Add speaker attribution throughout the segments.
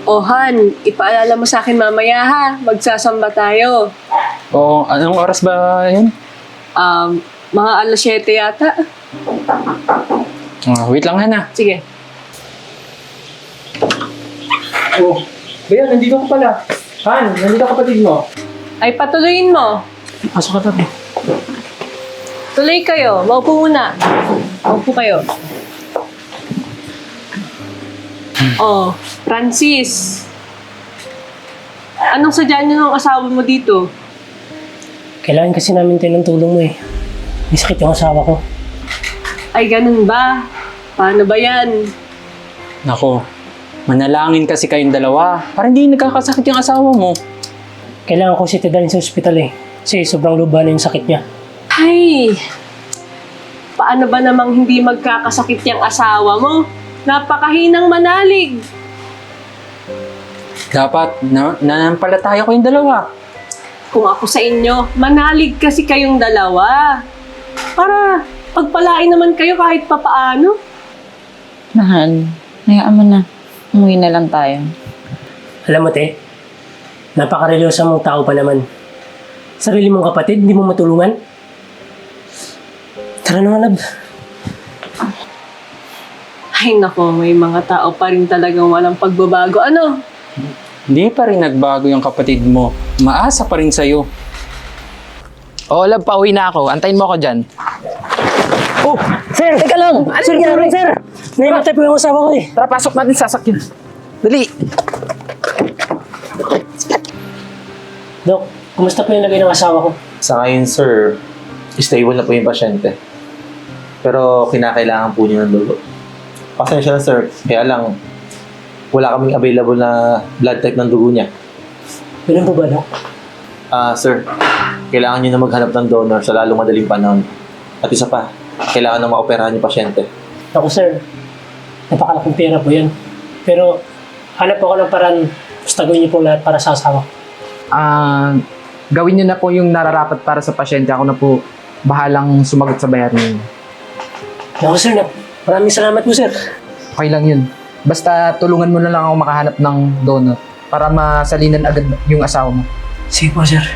Speaker 1: O Han, ipaalala mo sa akin mamaya ha. Magsasamba tayo.
Speaker 2: Oo, anong oras ba yun?
Speaker 1: Mga alas 7 yata.
Speaker 2: Wait lang, Hana.
Speaker 1: Sige.
Speaker 2: Oh, Bayan, nandito ka pala. Han, nandito kapatid mo.
Speaker 1: Ay, patuloyin mo.
Speaker 2: Pasok ka tabi.
Speaker 1: Tuloy kayo. Maupo muna. Maupo kayo. Oh, Francis. Anong sadya niyo ng asawa mo dito?
Speaker 3: Kailangan kasi namin tayo ng tulong mo eh. May sakit yung asawa ko.
Speaker 1: Ay, ganun ba? Paano ba yan?
Speaker 2: Nako, manalangin kasi kayong dalawa para hindi nagkakasakit yung asawa mo.
Speaker 3: Kailangan ko si dalhin sa ospital eh. Kasi sobrang luba na yung sakit niya.
Speaker 1: Ay, paano ba namang hindi magkakasakit yung asawa mo? Napakahinang manalig.
Speaker 2: Dapat nanampalataya ko yung dalawa.
Speaker 1: Kung ako sa inyo, manalig kasi kayong dalawa. Para pagpalain naman kayo kahit papaano.
Speaker 4: Mahal, hayaan mo na. Umuwi na lang tayo.
Speaker 3: Alam mo te, napaka-relyosa mong tao pa naman. Sarili mong kapatid, hindi mo matulungan. Tara na nga, love.
Speaker 1: Ay nako, may mga tao pa rin talagang walang pagbabago. Ano?
Speaker 2: Hindi pa rin nagbago yung kapatid mo. Maasa pa rin sa'yo.
Speaker 5: Oo, love, pauwi na ako. Antayin mo ako dyan.
Speaker 3: Oh, sir! Teka lang! Sir, gano'n, sir! Naimatay po yung asawa ko eh.
Speaker 5: Tara, pasok natin sa sasakyan. Dali!
Speaker 3: Dok, kumusta po yung lagay ng asawa ko?
Speaker 6: Sa ngayon, sir, stable na po yung pasyente. Pero kinakailangan po niyo ng dugo. Pasensya na, sir. Kaya lang, wala kaming available na blood type ng dugo niya.
Speaker 3: Ganun po ba, Dok?
Speaker 6: Sir, kailangan niyo na maghanap ng donor sa lalong madaling panahon. At isa pa, kailangan na maoperahan yung pasyente.
Speaker 3: Ako, sir. Napakalaking pera po yan. Pero, hanap ako ng paraan. Basta gawin niyo po lahat para sa asawa ko.
Speaker 5: Gawin niyo na po yung nararapat para sa pasyente. Ako na po bahalang sumagot sa bayarin niyo.
Speaker 3: Ako, sir. Maraming salamat po, sir.
Speaker 5: Okay lang yun. Basta tulungan mo na lang ako makahanap ng donor para masalinan agad yung asawa mo.
Speaker 3: Sige po, sir.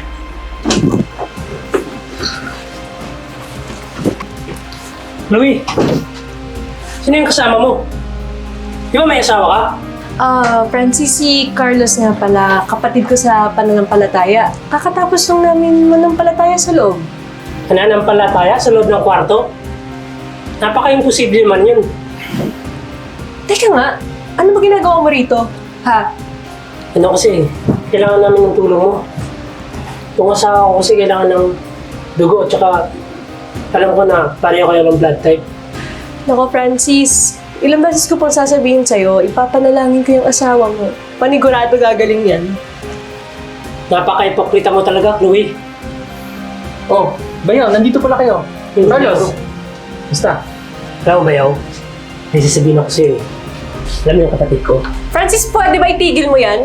Speaker 3: Louie! Sino yung kasama mo? Di ba may asawa ka?
Speaker 1: Francis, si Carlos nga pala, kapatid ko sa pananampalataya. Kakatapos lang namin manampalataya sa loob.
Speaker 3: Nananampalataya sa loob ng kwarto? Napaka-imposible man yun.
Speaker 1: Teka nga, ano ba ginagawa mo rito? Ha?
Speaker 3: Ano kasi, kailangan namin ng tulong mo. Yung asawa ko kasi kailangan ng dugo at saka alam ko na pareho kayo ng blood type.
Speaker 1: Nako, Francis, ilang beses ko pang sasabihin sa'yo, ipapanalangin ko yung asawa mo. Panigurado gagaling yan.
Speaker 3: Napaka-ipokrita mo talaga, Chloe.
Speaker 2: Oh, Bayan, nandito pala kayo. Carlos, basta.
Speaker 3: Alam mo ba yaw? May sasabihin ako sa'yo. Alam mo yung kapatid ko.
Speaker 1: Francis, pwede ba itigil mo yan?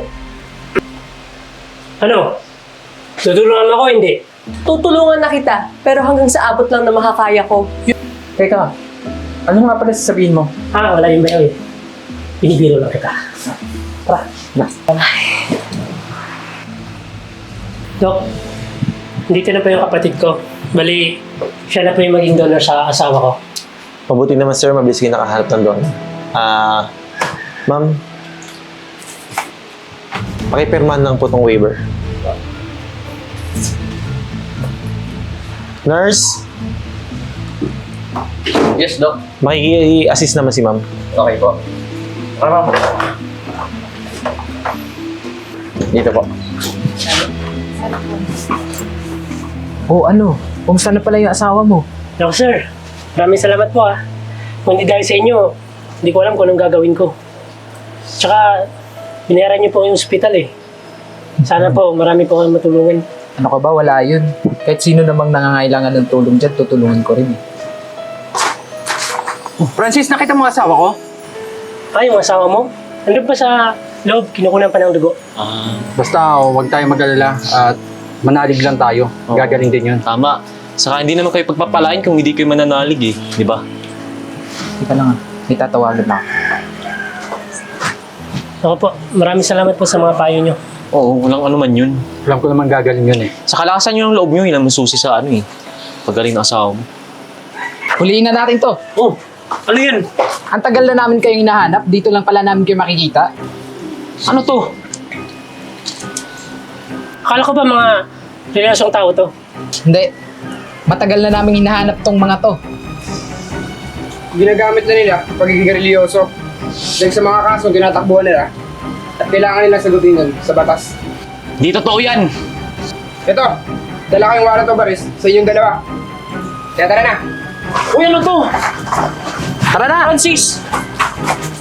Speaker 3: Ano? Tutulungan mo ako, hindi?
Speaker 1: Tutulungan na kita, pero hanggang sa abot lang na makakaya ko.
Speaker 2: Teka, ano nga pala sasabihin mo?
Speaker 3: Wala yung bayaw eh. Binibiro lang kita. Tara, na. Dok, dito na po yung kapatid ko. Bali, siya na po yung maging donor sa asawa ko.
Speaker 6: Mabuti naman, sir, mabilis kayo nakahanap ng donor. Ma'am, pakipirmahan lang po tong waiver. Nurse,
Speaker 2: Yes, Doc.
Speaker 6: makiki-assist naman si ma'am.
Speaker 2: Okay po.
Speaker 6: Dito po.
Speaker 5: Oh, ano? Kumusta na pala yung asawa mo?
Speaker 3: Ako, sir. Maraming salamat po ah. Kung hindi dahil sa inyo, hindi ko alam kung anong gagawin ko. Tsaka, binayaran niyo po yung ospital eh. Sana po, marami po kayong matulungan.
Speaker 5: Ano ka ba? Wala yun. Kahit sino namang nangangailangan ng tulong dyan, tutulungan ko rin eh. Francis, nakita mo ang asawa ko?
Speaker 3: Yung asawa mo? Nandun pa sa loob, kinukunan pa ng dugo.
Speaker 7: Basta huwag tayong mag-alala at manalig lang tayo.
Speaker 6: Oo.
Speaker 7: Gagaling din yun.
Speaker 8: Tama. Saka hindi naman kayo pagpapalain kung hindi kayo mananalig eh. Di ba?
Speaker 5: Hindi ka lang ah. May tatawagan na ako.
Speaker 3: Ako po, maraming salamat po sa mga payo nyo.
Speaker 8: Oo, walang ano man yun.
Speaker 7: Alam ko naman gagaling yun eh.
Speaker 8: Sa kalakasan nyo ng loob nyo, yun ang masusi sa ano eh. Pagaling ng asawa mo.
Speaker 5: Huliin na natin to.
Speaker 3: Oh, ano yan?
Speaker 5: Ang tagal na namin kayong hinahanap, dito lang pala namin kayo makikita.
Speaker 8: Ano to?
Speaker 3: Akala ko ba mga relasyong tao to?
Speaker 5: Hindi. Matagal na namin hinahanap tong mga to.
Speaker 9: Ginagamit na nila pagiging religyoso. Dahil sa mga kaso tinatakbuhan nila at kailangan nilang sagutin nun sa batas.
Speaker 8: Di totoo yan!
Speaker 9: Ito, dala kayong warrant of arrest sa inyong dalawa. Kaya tara na!
Speaker 3: Uy, ano to?
Speaker 5: Tara na!
Speaker 3: Francis!